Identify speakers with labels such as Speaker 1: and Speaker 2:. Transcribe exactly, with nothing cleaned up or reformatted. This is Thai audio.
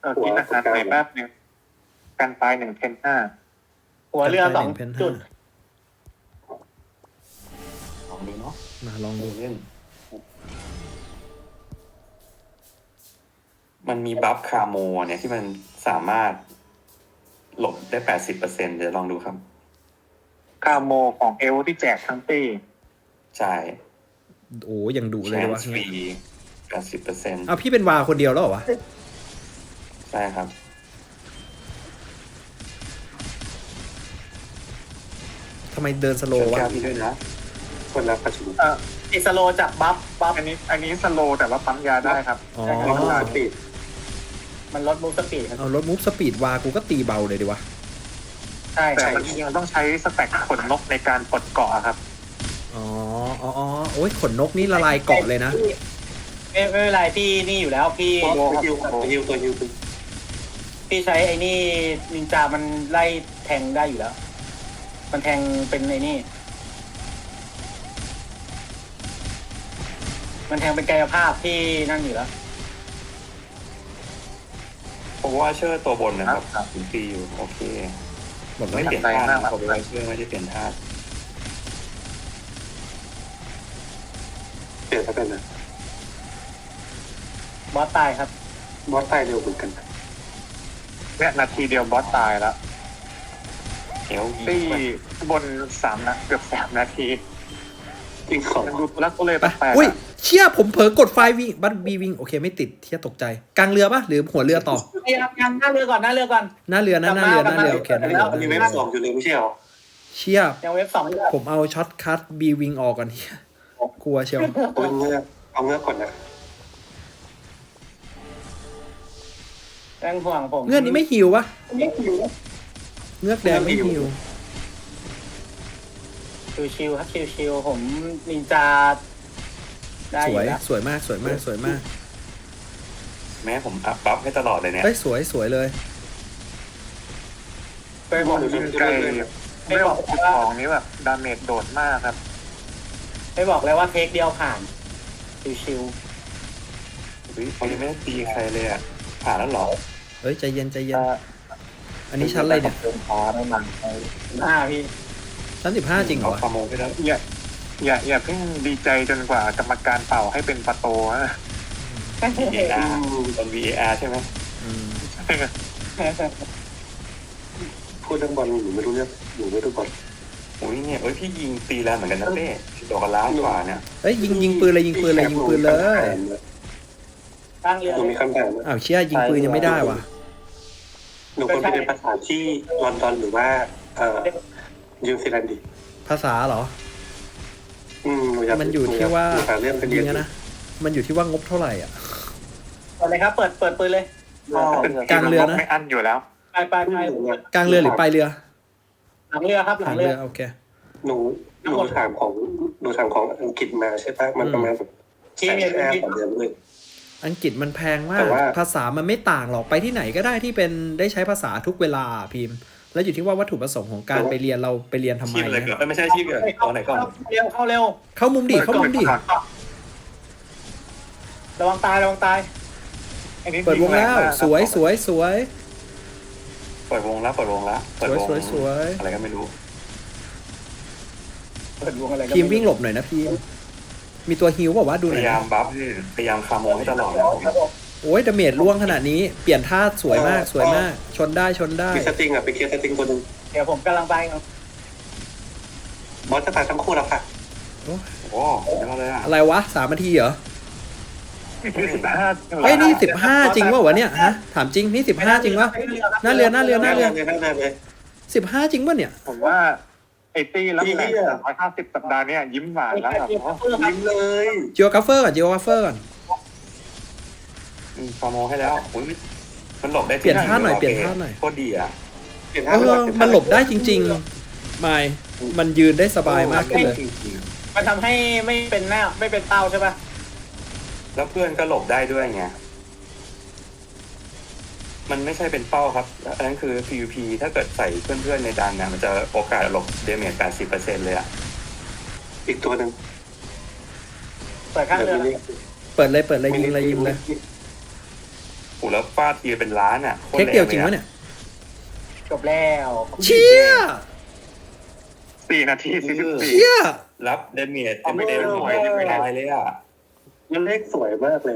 Speaker 1: อกินอาหารหน่อยแป๊บนึงกันตายหนึ่งเพนห้า
Speaker 2: หัวเรือสองจุด
Speaker 3: ลองดูเนาะ
Speaker 4: มาลองดู
Speaker 3: เล่นมันมีบัฟคาโมเนี่ยที่มันสามารถหลบได้แปดสิบเปอร์เซ็นต์เดี๋ยวลองดูครับ
Speaker 1: คาโมของเอลที่แจกทั้งปี
Speaker 3: ใช่
Speaker 4: โอ้ยังดุเลยว่ะ
Speaker 3: ฟรีแปดสิบเปอร์เซ็นต์
Speaker 4: อ้าวพี่เป็นวาคนเดียวแล้วเหรอวะ
Speaker 3: ใช่ครับ
Speaker 4: ทำไมเดินสโลว์วะ
Speaker 3: พี่ด้วยนะคนละประชุม
Speaker 2: เอ่ออิสโลจากบัฟบัฟ
Speaker 1: อันนี้อันนี้สโลแต่ว่าปั๊มยาได้ครับ
Speaker 4: อ๋อ
Speaker 1: สปีด
Speaker 2: มันลดมูฟสปีดครับ
Speaker 4: เอาลดมูฟสปีดวากูก็ตีเบาเลยดีวะ
Speaker 2: ใช่
Speaker 1: แต่มันยังต้องใช้สแต็กขนนกในการปลดเกาะครับ
Speaker 4: อ๋ออ๋ออ๋อโอ้ยขนนกนี่ละลายเกาะเลยนะ
Speaker 2: ไม่ไม่เป็นไรพี่นี่อยู่แล้วพี่
Speaker 3: ตัวฮิวตัวฮิวตัวฮิว
Speaker 2: พี่ใช้ไอ้นี่นินจามันไล่แทงได้อยู่แล้วมันแทงเป็นไอ้นี่มันแทงเป็นกายภาพที่นั่นอยู่แล้ว
Speaker 3: ผมว่าเชื่อตัวบนนะครับถึงตีอยู่โอเคไม่เปลี่ยนท่าผมว่าเชื่อไม่ได้เปลี่ยนท่าเปลี่ยนท่าเป็นนะ
Speaker 2: บอสตายครับ
Speaker 3: บอสตายเร็วเหมือนกัน
Speaker 1: เนี่ยนาทีเดียวบอสตายแล้ว
Speaker 3: เอล
Speaker 1: ตีบนสามนะเกือบสามนาที
Speaker 3: จริงของ
Speaker 1: ดูรักก็เลยแปลก
Speaker 4: อุ้ยเชี่ยผมเผลอกดไฟวิ่งบัตบีวิ่งโอเคไม่ติดเที่ยตกใจกลางเรือปะหรือหัวเรือต่อ
Speaker 2: ยังหน้าเรือก่อนหน้าเรือก่อน
Speaker 4: หน้าเรือนะหน้าเรือหน้าเรือโอเคหน้าเรือ
Speaker 3: มีเว็บสองอยู่เลยไม่ใช่หรอ
Speaker 4: เชี่ย
Speaker 2: ยังเว็บสอง
Speaker 4: ผมเอาช็อตคัทบีวิ่งออกก่อนเฮียกลัวเชียว
Speaker 3: เอาเงือกเอาเงือกก่อนนะ
Speaker 2: แรงห่วงผม
Speaker 4: เงือกนี้ไม่หิวปะเงือกแดงไม่หิว
Speaker 2: ชิวๆครับชิวๆผมนินจาได้
Speaker 4: สวยสวยมากสวยมากสวยมาก
Speaker 3: แม้ผมอัพบัฟให้ตลอดเลยเนี่ย
Speaker 4: เฮ้ยสวยสวยเลย
Speaker 1: ไปบอกยิงไกลไม่บอกของนี้แบบดาเมจโดดมากครับ
Speaker 2: ไม่บอกเลยว่าเทคเดียวผ่านชิว
Speaker 3: ๆเขายังไม่ได้ตีใครเลยอ่ะผ่านแล้วหรอ
Speaker 4: เฮ้ยใจเย็นใจเย็นอันนี้ชั้นอะไรเนี่ย
Speaker 2: อ๋อได้มันห้าพี่
Speaker 4: ชั้นสิบห้าจริงเหรอ
Speaker 3: ขโมยไปแล้ว
Speaker 1: อย่าอย่าอย่าเพิ่งดีใจจนกว่ากรรมการเป่าให้เป็นประตูนะ
Speaker 3: วี เอ อาร์ ตอน วี เอ อาร์ ใช่ไหมพูดเรื่องบอลหนูไม่รู้เรื่องหนูไม่รู้บอลโอ้ยเนี่ยเอ้ยพี่ยิงตีแล้วเหมือนกันนะเต้ดอกกระล้ากว่าเนี่ย
Speaker 4: เอ้ยยิงยิงปืนเลยยิงปืนเลยยิงปืนเลย
Speaker 2: ตั้งเรือ
Speaker 3: หนูมีคำถาม
Speaker 4: อ้าวเชี่ยยิงปืนยังไม่ได้ว่ะ
Speaker 3: หนูควรไปเรียนภาษาที่ลอนดอนหรือว่าเอ่อนิวซีแลนด์ดิ
Speaker 4: ภาษาเหรอ
Speaker 3: อืม
Speaker 4: มันอยู่ที่ว่าจริงนะมันอยู่ที่ว่างบเท่าไหร่อ่ะ
Speaker 2: เปิดเลยครับเปิดเปิดปืนเลย
Speaker 4: กลางเรือนะ
Speaker 1: ไม่อั้นอยู่แล้ว
Speaker 2: ไปไปไป
Speaker 4: กลางเรือหรือปลายเรือ
Speaker 2: หลังเรือครับหลังเรือ
Speaker 4: โอเค
Speaker 3: หนูหนูถามของหนูถามของอังกฤษมาใช่ปะมันประมาณแบบ
Speaker 2: ที่เรียน
Speaker 3: ต่อเดือนเลย
Speaker 4: อังกฤษมันแพงมากภาษามันไม่ต่างหรอกไปที่ไหนก็ได้ที่เป็นได้ใช้ภาษาทุกเวลาพิมพ์แล้วอยู่ที่ว่าวัตถุประสงค์ของการไปเรียนเราไปเรียนทำไม
Speaker 3: เนี่ยไม่ใช่ชีพเลยตอนไหนก่อน
Speaker 2: เร็วเข้าเร็ว
Speaker 4: เข้ามุมดิเข้ามุมดิ
Speaker 2: ระวังตายระวังตาย
Speaker 4: เปิดวงแล้วสวยสวยสวย
Speaker 3: เปิดวงแล้วเปิดวงแล้ว
Speaker 4: สวยสวยสวย
Speaker 3: อะไรก็ไม่รู้
Speaker 2: เปิดวงอะไร
Speaker 4: พิมวิ่งหลบหน่อยนะพิมมีตัวฮิวบอกว่าดูหน่อย
Speaker 3: พยายามบัฟพยายามคาโมให้ตลอด
Speaker 4: โอ้ยดาเมจล่วงขนาดนี้เปลี่ยนท่าสวยมากสวยมากชนได้ชนได้
Speaker 3: มีสติงอ่ะไปเคลียร์สติงตัวนึง
Speaker 2: เดี๋ยวผมกำลังไปครับ
Speaker 3: บอสจะตายทั้งคู่แล้วค่ะโอ้โห
Speaker 4: อะไรวะสามนาทีเหรอ
Speaker 1: สิบห้า
Speaker 4: เฮ้ยนี่สิบห้าจริงวะวะเนี่ยฮะถามจริงนี่สิบห้าจริงวะหน้าเรือหน้าเรือหน้าเรือสิบห้าจริงวะเนี่ย
Speaker 1: ผมว่าไอตี้รับแรงสามร้อยห้าสิบสัปดาห์เนี่ยยิ้มหวานแล้วแบบ
Speaker 3: ยิ้มเลย
Speaker 4: จิโอกราฟเฟอร์ก่อนจิโอกราฟเฟอร์ก่อน
Speaker 3: ฟอร์โมให้แล้วมันหลบได้
Speaker 4: เปลี่ยนท่าหน่อยเปลี่ยนท่าหน่อย
Speaker 3: โคตรดีอ่ะ
Speaker 4: เออมันหลบได้จริงๆไม่มันยืนได้สบายมากขึ้นเลย
Speaker 2: มันทำให้ไม่เป็นหน้าไม่เป็นเต้าใช่ป่ะ
Speaker 3: แล้วเพื่อนก็หลบได้ด้วยไงมันไม่ใช่เป็นเป้าครับอันนั้นคือ พี วี พี ถ้าเกิดใส่เพื่อนๆในดันเนี่ยมันจะโอกาสหลบเดเมจ แปดสิบเปอร์เซ็นต์ เลยอ่ะอีกตัวหนึ่ง
Speaker 2: เปิดข้างเรือ
Speaker 4: เปิดเลยเปิดเลยยิงเลยยิงเลย
Speaker 3: โอ้อ้แล้วฟาดทีเป็นล้านอ่ะโคต
Speaker 4: เทค
Speaker 3: แ
Speaker 4: เดียวจริงวะ
Speaker 3: ล
Speaker 4: เนี่ย
Speaker 2: จบแล้ว
Speaker 4: เชี่ย
Speaker 1: สี่นาทีสี่สิบสี่
Speaker 4: เชี่ย
Speaker 3: รับเดเมียเต็มเต็มหน่วยไม่ได้เลยอ่ะ
Speaker 5: มันเลขสวยมากเลย